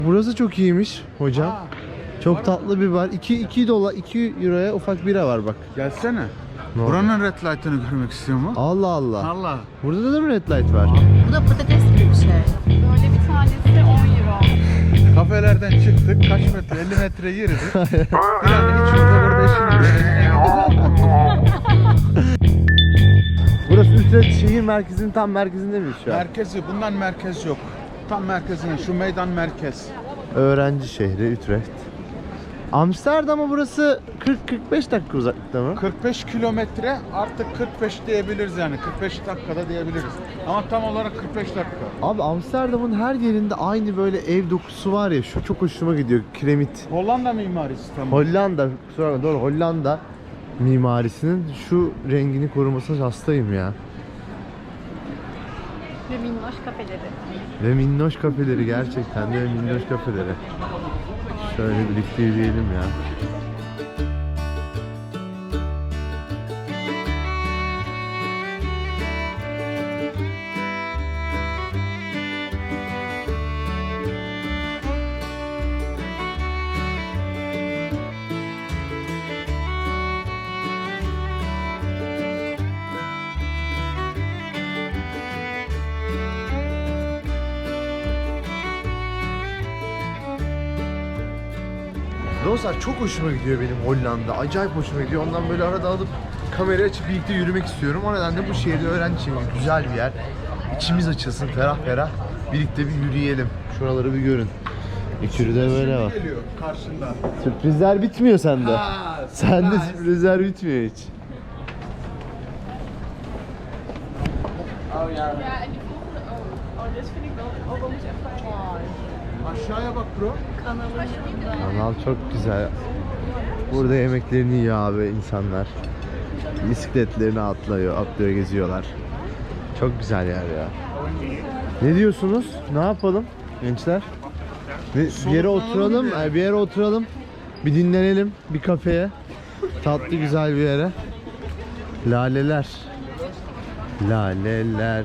Burası çok iyiymiş hocam. Çok tatlı bir bar. 2 dolar 2 euroya ufak bira var bak. Gelsene. Ne oldu? Buranın red light'ını görmek istiyor mu? Allah Allah. Allah. Burada da mı red light var? Bu da patates gibi bir şey. Böyle bir tanesi 10 euro. Kafelerden çıktık. Kaç metre? 50 metre yürüdük. Yani hiç burada işimiz. Burası Utrecht şehir merkezinin tam merkezinde miyiz şu an? Merkezi. Bundan merkez yok. Tam merkezine. Şu meydan merkez. Öğrenci şehri Utrecht. Amsterdam'a burası 40-45 dakika uzaklıkta mı? 45 kilometre artık 45 diyebiliriz yani. 45 dakikada diyebiliriz. Ama tam olarak 45 dakika. Abi Amsterdam'ın her yerinde aynı böyle ev dokusu var ya, şu çok hoşuma gidiyor, kiremit. Hollanda mimarisi tam. Hollanda, kusura bakma, doğru, Hollanda mimarisinin şu rengini korumasına hastayım ya. Ve minnoş kafeleri. Ve minnoş kafeleri, gerçekten de minnoş kafeleri. Şöyle birlikte yürüyelim ya. Dostlar çok hoşuma gidiyor benim Hollanda. Acayip hoşuma gidiyor. Ondan böyle arada alıp kamerayı açıp birlikte yürümek istiyorum. O nedenle bu şehirde öğrenci şehri, güzel bir yer. İçimiz açılsın, ferah ferah. Birlikte bir yürüyelim. Şuraları bir görün. İçeri de böyle var. Geliyor karşında. Sürprizler bitmiyor sende. Ha, Sende surprise. sürprizler bitmiyor hiç. Ja, en die volgende ook. Oh, dit vind ik wel ook wel eens echt wel mooi. Aşağıya bak bro. Kanalımızda. Kanal çok güzel. Burada yemeklerini yiyor abi insanlar. Bisikletlerini atlıyor, geziyorlar. Çok güzel yer ya. Ne diyorsunuz? Ne yapalım gençler? Bir yere oturalım, bir yere oturalım. Bir dinlenelim, bir kafeye. Tatlı güzel bir yere. Laleler. Laleler.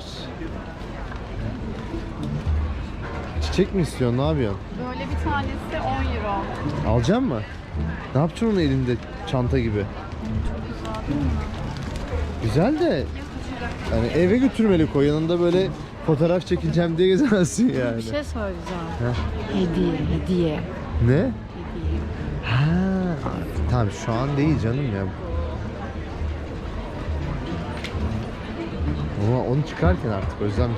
Çiçek mi istiyorsun? Ne yapıyorsun? Böyle bir tanesi 10 euro. Alacak mı? Ne yapacaksın onu elinde çanta gibi? Güzel de yani eve götürmeli koy, yanında böyle fotoğraf çekeceğim diye gezemezsin yani. Bir şey söyleyeceğim. Hediye. Ne? Hediye. Ha, tamam şu an değil canım ya. Ama onu çıkarken artık Özlem.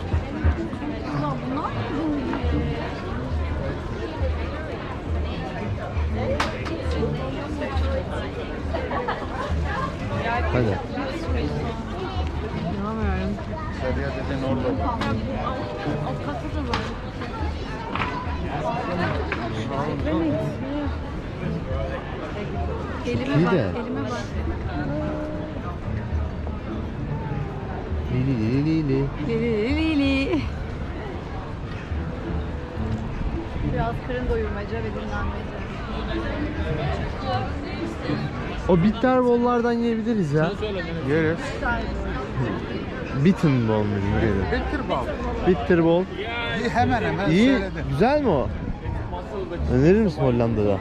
Hadi. İnanamıyorum. Sarıya dediğin orada. Elime İyi bak, de. elime bak. Lili lili lili. Lili. Biraz karın doyurmaca ve dinlenmece. O bitterbollardan yiyebiliriz ya. Yeriz. Bittenbol mu diyelim? Bitir bal. Bitterbol. Hemen hemen İyi, söyledim. güzel mi o? Önerir misin Hollanda'da?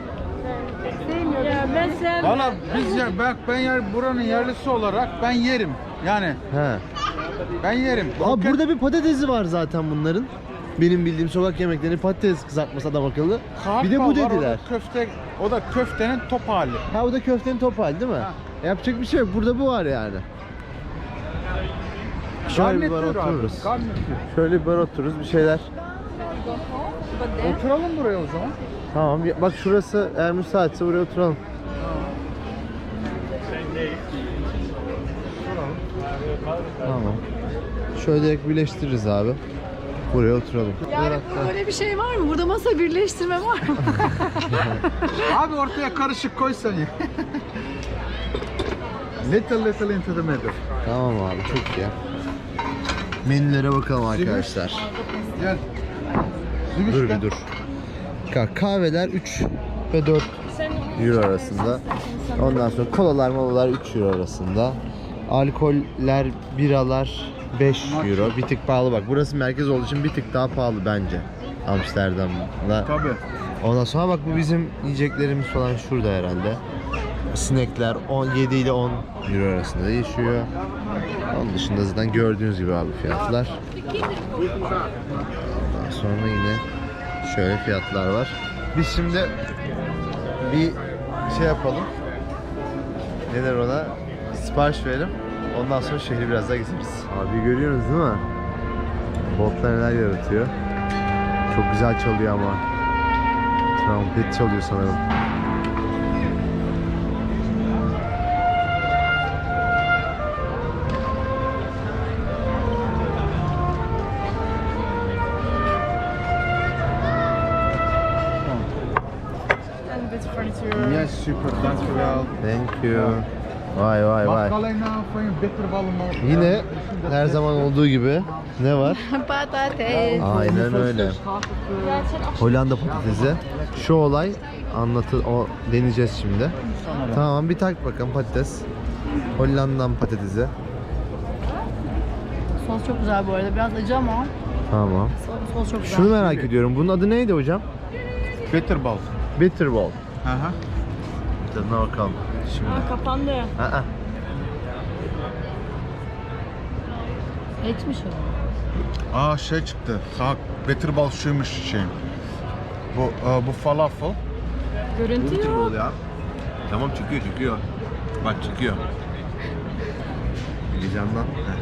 Valla ben buranın yerlisi olarak ben yerim. Yani He. ben yerim. Abi burada bir patatesi var zaten bunların. Benim bildiğim sokak yemekleri patates kızartması adam akıllı. Bir de bu Kahpa var, dediler. O da köftenin top hali. Ha, o da köftenin top hali değil mi? Ha. Yapacak bir şey yok. Burada bu var yani. Şöyle bir bar Garnitür abi, otururuz. garnitür. Şöyle bir bar otururuz, bir şeyler. Oturalım buraya o zaman. Tamam, bak şurası eğer müsaitse buraya oturalım. Tamam. Şöyle direkt birleştiririz abi. Buraya oturalım. Yani böyle bir şey var mı? Burada masa birleştirme var mı? Abi ortaya karışık koy sen ya. Little into the middle. Tamam abi, çok iyi. Menülere bakalım arkadaşlar. Gel. Dur bir dur. Kahveler 3 ve 4 euro arasında. Ondan sonra kolalar molalar 3 euro arasında. Alkoller, biralar 5 euro. Bir tık pahalı bak. Burası merkez olduğu için bir tık daha pahalı bence. Amsterdam'da. Tabii. Ondan sonra bak bu bizim yiyeceklerimiz falan şurada herhalde. Sinekler 7 ile 10 euro arasında değişiyor. Onun dışında zaten gördüğünüz gibi abi fiyatlar. Ondan sonra yine şöyle fiyatlar var. Biz şimdi bir şey yapalım. Neler ona? Sipariş verelim. Ondan sonra şehri biraz daha gezeriz. Abi görüyorsunuz değil mi? Botlar neler yaratıyor. Çok güzel çalıyor ama. Trompet çalıyor sanırım. And this furniture. Yes, super. Dankjewel. Thank you. Vay vay Mag vay. ik alleen voor je bitterballen maken? Yine her zaman olduğu gibi ne var? Patates. Aynen öyle. Hollanda patatesi. Şu olay o deneyeceğiz şimdi. Tamam bir tak bakalım patates. Hollandan patatesi. Sos çok güzel bu arada. Biraz acı ama Tamam. sos çok güzel. Şunu merak ediyorum. Bunun adı neydi hocam? Bitterbal. Bitterball. Hı hı. Tadına bakalım. Şimdi. Kapandı. Aa. Etmiş o. Aa şey çıktı. Sağ bitterbal şuymuş şey. Bu falafel. Görüntü yok. ya. Tamam çıkıyor. Bak çıkıyor. Heyecandan.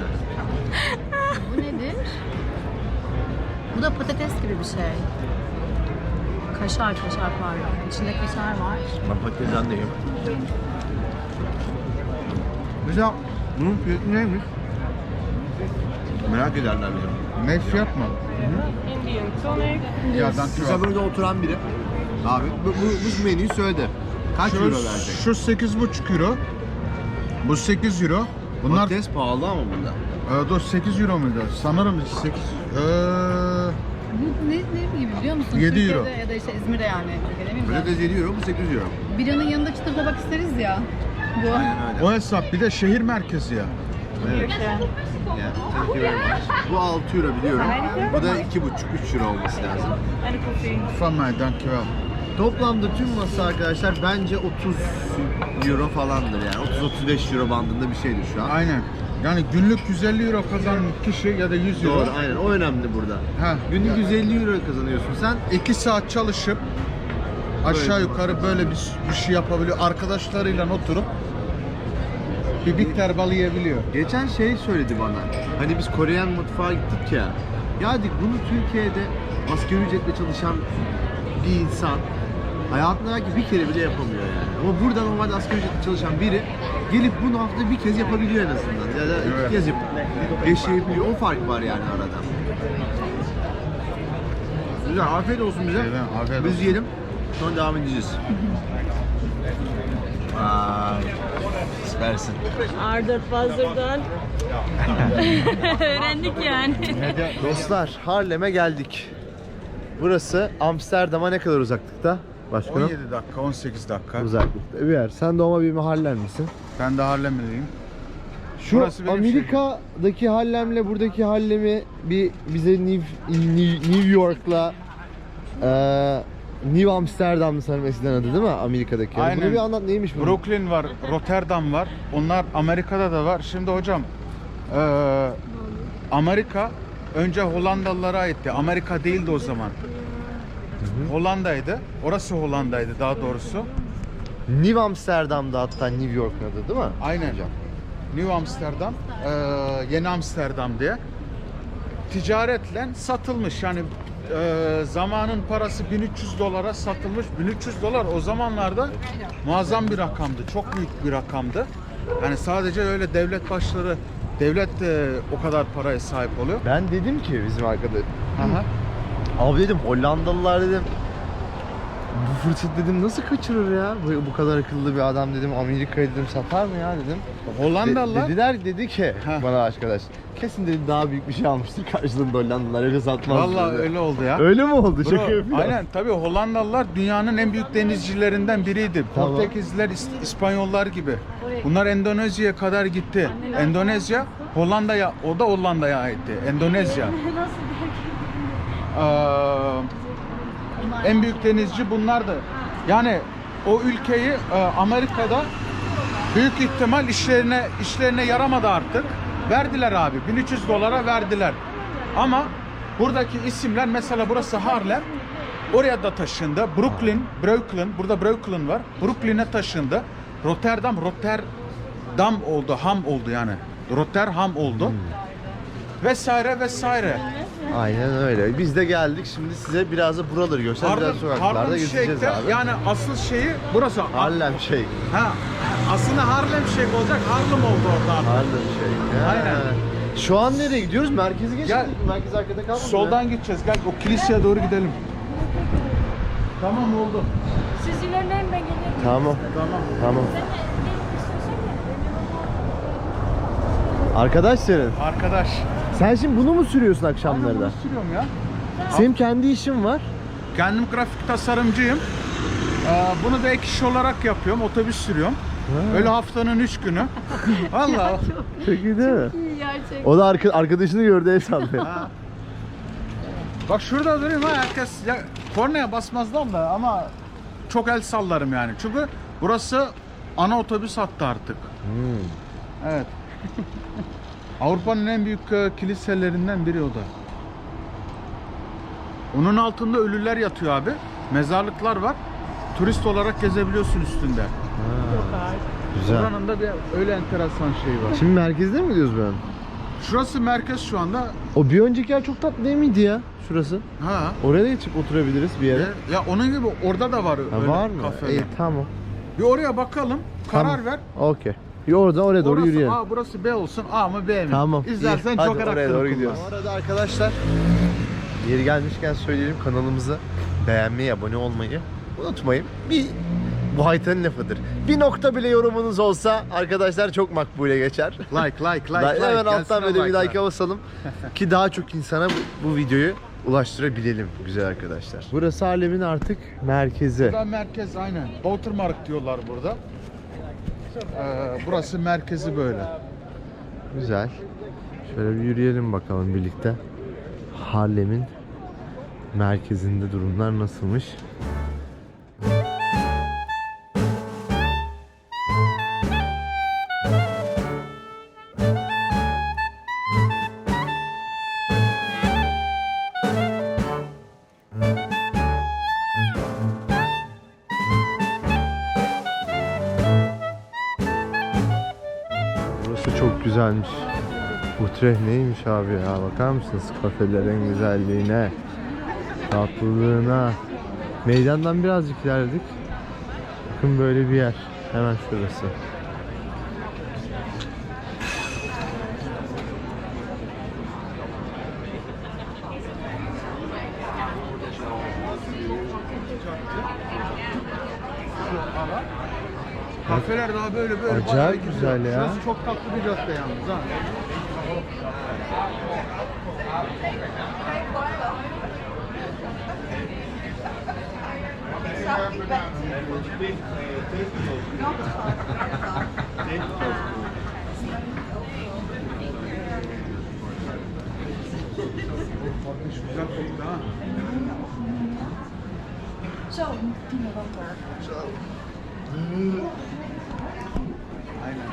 Bu nedir? Bu da patates gibi bir şey. Kaşar pardon. İçinde kaşar var. Ben patatesten de yiyorum. Mesela bunun fiyatı neymiş? Merak ederler bizim. Ne fiyat mı? Indian tonic. Ya Bize dankjewel. burada oturan biri. Abi bu menüyü söyledi. Kaç euro verecek? Şu 8,5 euro. Bu 8 euro. Bunlar Patates pahalı ama bunda. dur 8 euro muydu? Sanırım 8. Bu ne gibi biliyor musun? 7 Türkiye'de euro. ya da işte İzmir'de yani. Türkiye'de değil mi? Patates 7 euro, bu 8 euro. Biranın yanında çıtır tabak isteriz ya. Bu. Aynen öyle. O hesap bir de şehir merkezi ya. Evet. Yeah, thank you very much. Bu 6 euro biliyorum. Bu da 2,5-3 euro olması lazım. And coffee. Van mij, dankjewel. Toplamda tüm masa arkadaşlar bence 30 euro falandır yani. 30-35 euro bandında bir şeydir şu an. Aynen. Yani günlük 150 euro kazanan kişi ya da 100 euro. Doğru, aynen. O önemli burada. Ha. Günlük 150 euro kazanıyorsun sen. 2 saat çalışıp aşağı yukarı böyle bir şey yapabiliyor. Arkadaşlarıyla oturup bir bitterbal yiyebiliyor. Geçen şey söyledi bana. Hani biz Koreyan mutfağa gittik ya. Ya dedik bunu Türkiye'de asgari ücretle çalışan bir insan hayatında belki bir kere bile yapamıyor yani. Ama burada normalde asgari ücretle çalışan biri gelip bunu haftada bir kez yapabiliyor en azından. Ya da iki Evet. kez yapıp yaşayabiliyor. O fark var yani arada. Güzel, afiyet olsun bize. Evet, afiyet Biz olsun. yiyelim, sonra devam edeceğiz. Vay, süpersin. Arda Fazır'dan öğrendik yani. Dostlar, Harlem'e geldik. Burası Amsterdam'a ne kadar uzaklıkta? Başkanım? 17 dakika, 18 dakika. Uzaklıkta bir yer. Sen doğma büyüme Harlem misin? Ben de Harlem'liyim. Şu Burası benim Amerika'daki Harlem'le buradaki Harlem'i bize New York'la New Amsterdam'dı sanırım eskiden adı değil mi? Amerika'daki. Yani Aynen. bunu bir anlat neymiş bu? Brooklyn var, Rotterdam var. Onlar Amerika'da da var. Şimdi hocam Amerika önce Hollandalılara aitti. Amerika değildi o zaman. Hollanda'ydı. Orası Hollanda'ydı daha doğrusu. New Amsterdam'da hatta New York'un adı değil mi? Aynen. Hocam. New Amsterdam, Yeni Amsterdam diye. Ticaretle satılmış. Yani zamanın parası 1300 dolara satılmış. 1300 dolar o zamanlarda muazzam bir rakamdı. Çok büyük bir rakamdı. Yani sadece öyle devlet de o kadar paraya sahip oluyor. Ben dedim ki bizim arkadaş. Aha. Abi dedim Hollandalılar dedim. Bu fırsat dedim nasıl kaçırır ya? Bu kadar akıllı bir adam dedim Amerika'yı dedim satar mı ya dedim. Hollandalılar Dedi ki Ha. bana arkadaş kesin dedi daha büyük bir şey almıştır karşılığında Hollandalılar öyle satmaz. vallahi dedi. öyle oldu ya. Öyle mi oldu? Bro, Şaka yapıyor. aynen tabii Hollandalılar dünyanın en büyük denizcilerinden biriydi. Tamam. Portekizliler, İspanyollar gibi. Bunlar Endonezya'ya kadar gitti. Endonezya Hollanda'ya, o da Hollanda'ya aitti. Endonezya. En büyük denizci bunlardı. Yani o ülkeyi Amerika'da büyük ihtimal işlerine yaramadı artık. Verdiler abi. 1300 dolara verdiler. Ama buradaki isimler, mesela burası Harlem. Oraya da taşındı. Brooklyn, burada Brooklyn var. Brooklyn'e taşındı. Rotterdam oldu, ham oldu yani. Rotterdam oldu. Vesaire vesaire. Aynen öyle. Biz de geldik. Şimdi size biraz da buraları göstereceğiz. Sokaklarda Harlem gezeceğiz Shake'te abi. yani asıl şeyi burası. Harlem Shake. Ha, aslında Harlem Shake olacak. Harlem oldu orada artık. Harlem Shake. Ha. Aynen. Şu an nereye gidiyoruz? Merkeze geçtik. Gel. Merkez arkada kalmadı. Soldan gideceğiz. Gel o kiliseye doğru gidelim. Tamam oldu. Siz ilerleyin ben gelirim. Tamam. Tamam. Tamam. Arkadaş senin. Arkadaş. Sen şimdi bunu mu sürüyorsun Aynen akşamları da? bunu sürüyorum ya. Senin kendi işin var. Kendim grafik tasarımcıyım. Bunu da ek iş olarak yapıyorum. Otobüs sürüyorum. Öyle haftanın 3 günü. Vallahi. Çok iyi değil mi? İyi gerçekten. O da arkadaşını gördü el sallıyor. Ha. Bak şurada durayım ha, herkes ya, kornaya basmazlar da ama çok el sallarım yani. Çünkü burası ana otobüs hattı artık. Evet. Avrupa'nın en büyük kiliselerinden biri o da. Onun altında ölüler yatıyor abi. Mezarlıklar var. Turist olarak gezebiliyorsun üstünde. Güzel. Buranın da bir öyle enteresan şey var. Şimdi merkezde mi gidiyoruz ben? Şurası merkez şu anda. O bir önceki yer çok tatlı değil miydi ya? Şurası. Ha. Oraya da geçip oturabiliriz bir yere. Ya onun gibi orada da var Ha, öyle var mı? kafeler. İyi tamam. Bir oraya bakalım. Karar ver. Okey. Oraya doğru Orası yürüyelim. A, burası B olsun. A mı B mi? Tamam. İzlersen iyi. Hadi Joker oraya hakkını doğru kullan. gidiyoruz. Bu arada arkadaşlar, yeri gelmişken söyleyelim, kanalımızı beğenmeyi, abone olmayı unutmayın. Bu haritanın lafıdır. Bir nokta bile yorumunuz olsa arkadaşlar çok makbule geçer. Like. Hemen alttan Gelsene böyle bir like'lar. like'a basalım ki daha çok insana bu videoyu ulaştırabilelim güzel arkadaşlar. Burası Harlem'in artık merkezi. Burada merkez aynen. Boutermarkt diyorlar burada. Burası merkezi böyle. Güzel. Şöyle bir yürüyelim bakalım birlikte. Harlem'in merkezinde durumlar nasılmış? Burası çok güzelmiş. Utrecht neymiş abi ya, bakar mısınız kafelerin güzelliğine, tatlılığına. Meydandan birazcık ilerledik. Bakın böyle bir yer. Hemen şurası. Kafeler daha böyle Acayip bayağı gidiyor. güzel ya. Şurası çok tatlı bir cadde yalnız ha. Güzel koktu ha. Aynen.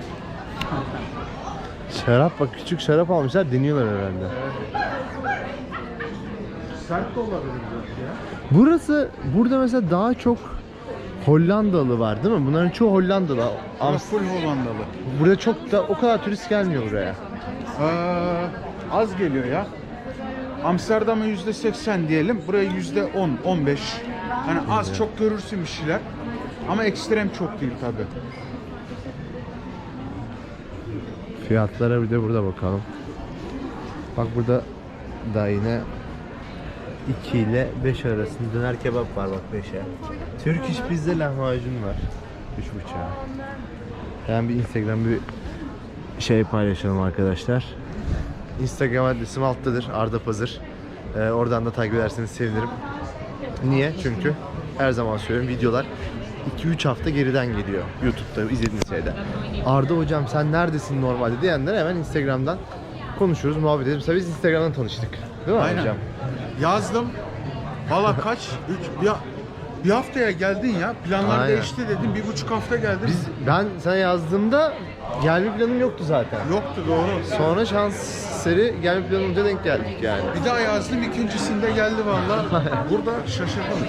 Şarap bak, küçük şarap almışlar, deniyorlar herhalde. Sert de olabilir belki ya. Burası, burada mesela daha çok Hollandalı var değil mi? Bunların çoğu Hollandalı. Burası full Hollandalı. Burada çok da o kadar turist gelmiyor buraya. Az geliyor ya. Amsterdam'a %80 diyelim. Buraya %10, 15. Hani az çok görürsün bir şeyler. Ama ekstrem çok değil tabi. Fiyatlara bir de burada bakalım. Bak burada da yine 2 ile 5 arasında döner kebap var bak 5'e. Türk iş bizde lahmacun var 3,5'a. Yani bir Instagram bir şey paylaşalım arkadaşlar. Instagram adresim alttadır, Arda Pazır. Oradan da takip ederseniz sevinirim. Niye? Çünkü her zaman söylüyorum, videolar 2-3 hafta geriden geliyor YouTube'da izlediğiniz şeyde. Arda hocam sen neredesin normalde diyenler hemen Instagram'dan konuşuruz, muhabbet ederiz. Mesela biz Instagram'dan tanıştık. Değil mi Aynen. hocam? Yazdım. Valla kaç? Bir haftaya geldin ya. Planlar Aynen. değişti dedim. 1,5 hafta geldin. Ben sana yazdığımda gelme planım yoktu zaten. Yoktu doğru. Sonra şans eseri gelme planımıza denk geldik yani. Bir daha yazdım, ikincisinde geldi valla. Burada şaşırdım.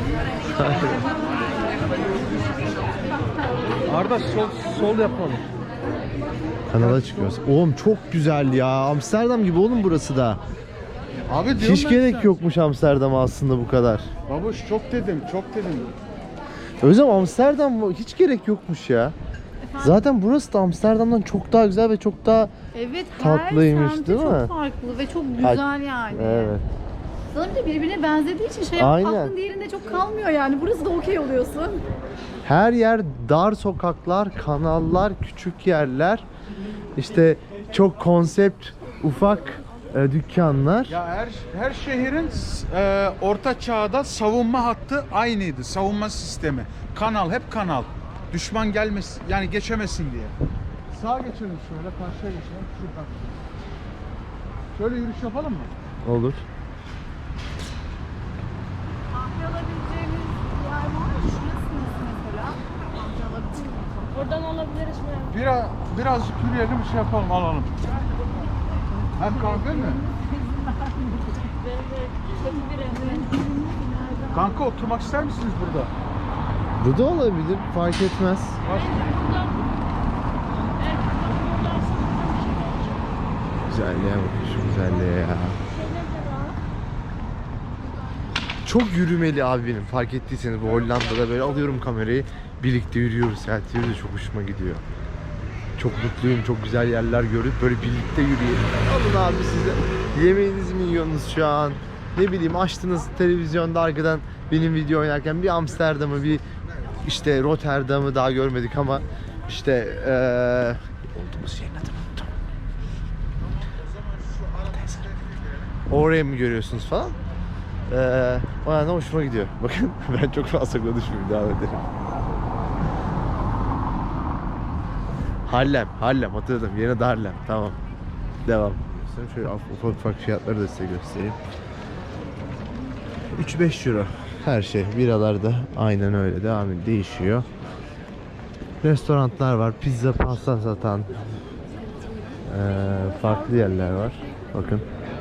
Arda sol yapalım. Kanala çıkıyoruz. Oğlum çok güzel ya. Amsterdam gibi oğlum burası da. Abi diyorum Hiç ben gerek sana. yokmuş Amsterdam'a aslında bu kadar. Babuş çok dedim. Özlem Amsterdam hiç gerek yokmuş ya. Zaten burası da Amsterdam'dan çok daha güzel ve çok daha Evet, Tatlıymış, her semti değil mi? çok farklı ve çok güzel yani. evet. Sanırım da birbirine benzediği için Aynen. aklın diğerinde çok kalmıyor yani. Burası da okey oluyorsun. Her yer dar sokaklar, kanallar, küçük yerler. İşte çok konsept, ufak dükkanlar. Ya her şehrin orta çağda savunma hattı aynıydı. Savunma sistemi. Kanal, hep kanal. Düşman gelmesin, yani geçemesin diye. Sağa geçelim şöyle, karşıya geçelim. Şuradan. Şöyle yürüyüş yapalım mı? Olur. Kahve alabileceğimiz yer var mı? Şurası mesela? Kahve alabilir miyiz? Oradan alabiliriz mi? Birazcık yürüyelim, bir şey yapalım, alalım. Hem kahve mi? Benim de kötü bir evde. Kanka oturmak ister misiniz burada? Bu da olabilir, fark etmez. Güzelliğe bak, şu güzelliğe ya. Çok yürümeli abi benim, fark ettiyseniz bu Hollanda'da böyle alıyorum kamerayı, birlikte yürüyoruz, selfie de çok hoşuma gidiyor. Çok mutluyum, çok güzel yerler görüp böyle birlikte yürüyelim. Alın abi siz de yemeğinizi mi yiyorsunuz şu an? Ne bileyim, açtınız televizyonda arkadan benim video oynarken bir Amsterdam'ı, bir işte Rotterdam'ı daha görmedik ama işte olduğumuz yerin adını unuttum. Oraya mı görüyorsunuz falan? O yüzden hoşuma gidiyor. Bakın ben çok fazla konuşmayayım, devam edelim. Harlem hatırladım. Yine de Harlem. Tamam. Devam. Şöyle ufak fiyatları da size göstereyim. 3-5 euro her şey. Biralar da aynen öyle devam ediyor. Değişiyor. Restoranlar var. Pizza, pasta satan farklı yerler var. Bakın.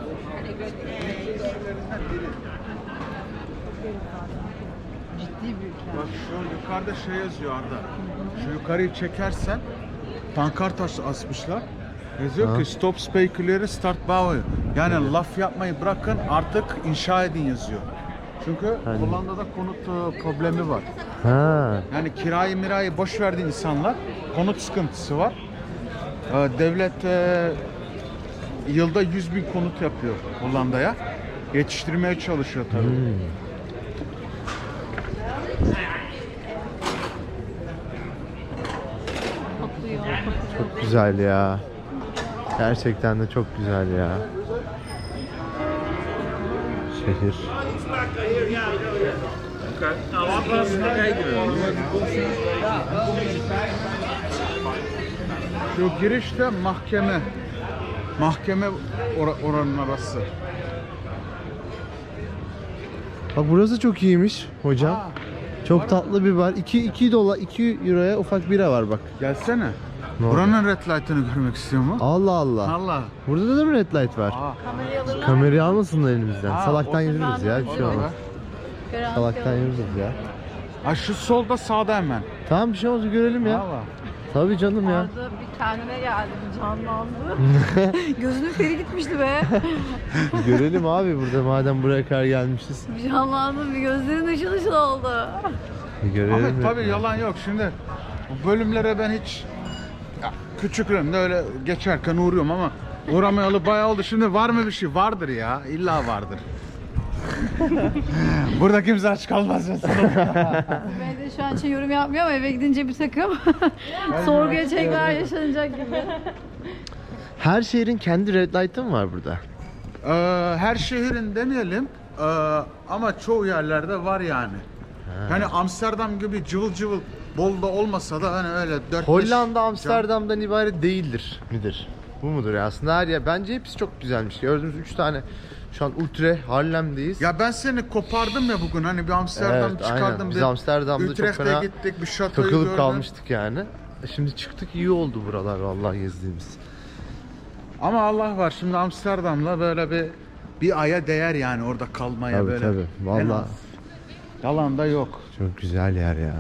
Bak şu yukarıda şey yazıyor Arda. Şu yukarıyı çekersen pankart asmışlar. Yazıyor Ha. ki stop speculary start bouwen. Yani laf yapmayı bırakın, artık inşa edin yazıyor. Çünkü Hani- Hollanda'da konut problemi var. Ha. Yani mirayı boş verdi insanlar. Konut sıkıntısı var. Devlet yılda 100.000 konut yapıyor Hollanda'ya. Yetiştirmeye çalışıyor tabii. Çok güzel ya. Gerçekten de çok güzel ya. Şehir. Şu girişte mahkeme. Mahkeme oranın arası. Bak burası çok iyiymiş hocam. Aa, Çok tatlı bir bar. 2 dolar, 2 euroya ufak bira var bak. gelsene. Ne oldu? Buranın red light'ını görmek istiyor mu? Allah Allah. Allah. Burada da mı red light var? Aa, Kamerayı alırlar. Kamerayı almasınlar elimizden. Aa, Salaktan o- yürürüz ya. Bir şey olur olmaz. be. Salaktan yürürüz ya. Ha, şu solda, sağda hemen. Tamam, bir şey olmaz, görelim ya. Valla. Tabii canım ya. Arada bir kendine geldi, bir canlandı. Gözünün feri gitmişti be. Görelim abi, burada madem buraya kadar gelmişiz. Bir canlandı, bir gözlerin ışıl ışıl oldu. Görelim. Ahmet ya. tabii yalan yok. Şimdi bu bölümlere ben hiç küçüklüğümde öyle geçerken uğruyorum ama uğramayalı bayağı oldu. Şimdi var mı bir şey? Vardır ya. İlla vardır. Burada kimse aç kalmaz mesela. Ben de şu an için yorum yapmıyor ama eve gidince bir takım sorguya çekler yaşanacak gibi. Her şehrin kendi red light'ı mı var burada? Her şehrin demeyelim ama çoğu yerlerde var yani. Hani Amsterdam gibi cıvıl cıvıl bol da olmasa da hani öyle 4-5 Hollanda Amsterdam'dan ibaret değildir midir? Bu mudur ya? Aslında her yer, bence hepsi çok güzelmiş. Gördüğümüz 3 tane Şu an Utrecht, Harlem'deyiz. Ya ben seni kopardım ya bugün hani bir Amsterdam Evet, çıkardım. aynen. Biz Amsterdam'da çok Utrecht'e fena gittik, bir şatoyu takılıp gördüm. kalmıştık yani. Şimdi çıktık, iyi oldu buralar vallahi gezdiğimiz. Ama Allah var, şimdi Amsterdam'la böyle bir aya değer yani orada kalmaya Tabii böyle. tabii. En Vallahi az. Yalan da yok. çok güzel yer ya.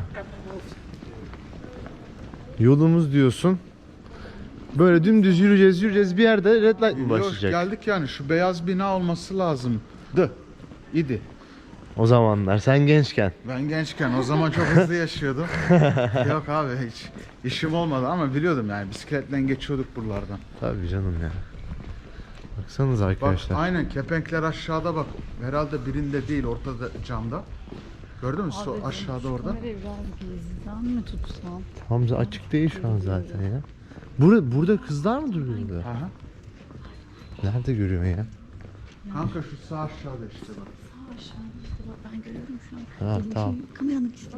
Yolumuz diyorsun. Böyle dümdüz yürüyeceğiz. Bir yerde red light mı Yok, başlayacak? geldik yani, şu beyaz bina olması lazımdı. İdi. O zamanlar sen gençken. Ben gençken o zaman çok hızlı yaşıyordum. Yok abi, hiç işim olmadı ama biliyordum yani, bisikletle geçiyorduk buralardan. Tabii canım ya. Baksanız Bak arkadaşlar. aynen, kepenkler aşağıda bak. Herhalde birinde değil, ortada camda. Gördün mü? Abi, Aşağıda şu orada. kamerayı biraz gizliden mi tutsam? Hamza açık değil şu an zaten ya. Burada kızlar mı duruyordu? Aha. Nerede görüyorsun ya? Kanka şu sağ aşağıda işte bak. Sağ aşağı işte bak, ben görüyorum şu an. Ha, Benimki tamam. Kameranın ikisi.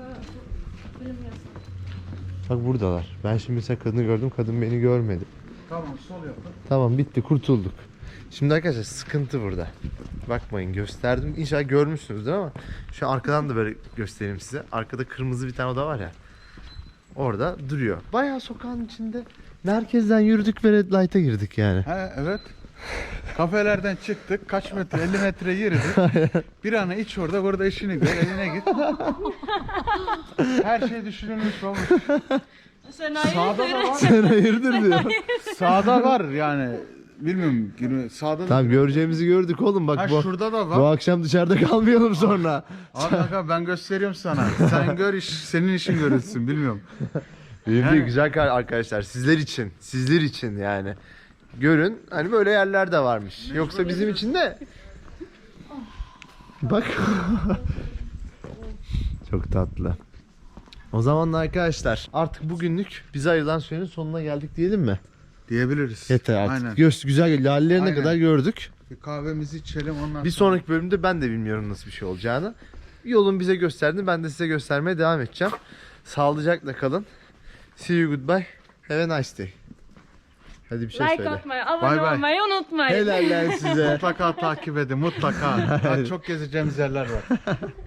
Bak buradalar. Ben şimdi mesela kadını gördüm. Kadın beni görmedi. Tamam, sol yapın. Tamam, bitti, kurtulduk. Şimdi arkadaşlar sıkıntı burada. Bakmayın, gösterdim. İnşallah görmüşsünüzdür ama şu arkadan da böyle göstereyim size. Arkada kırmızı bir tane oda var ya. Orada duruyor. Bayağı sokağın içinde. Merkezden yürüdük ve red light'a girdik yani. He, evet. Kafelerden çıktık. Kaç metre? 50 metre yürüdük. Bir ana iç orada, burada işini gör, eline git. Her şey düşünülmüş olmuş. Sağda da var. Sen hayırdır diyor. Sağda var yani. Bilmiyorum. Sağda da. Tamam, göreceğimizi gördük oğlum. Bak Ha, bu, şurada da bu var. akşam dışarıda kalmayalım sonra. Abi kanka, ben gösteriyorum sana. Sen gör, senin işin görülsün, bilmiyorum. Benim de Yani- güzel arkadaşlar, sizler için yani. Görün, hani böyle yerler de varmış. Yoksa bizim için de. Bak. Çok tatlı. O zaman da arkadaşlar artık bugünlük bize ayrılan sürenin sonuna geldik diyelim mi? Diyebiliriz. Yeter artık. Aynen. Güzel lallerine Aynen. kadar gördük. Bir kahvemizi içelim, ondan Bir sonra. sonraki bölümde ben de bilmiyorum nasıl bir şey olacağını. Yolun bize gösterdi. Ben de size göstermeye devam edeceğim. Sağlıcakla kalın. See you, goodbye. Have a nice day. Hadi bir şey Like söyle. atmayı, Bay abone bay. olmayı unutmayın. Helal lan size. Mutlaka takip edin, mutlaka. Daha çok gezeceğimiz yerler var.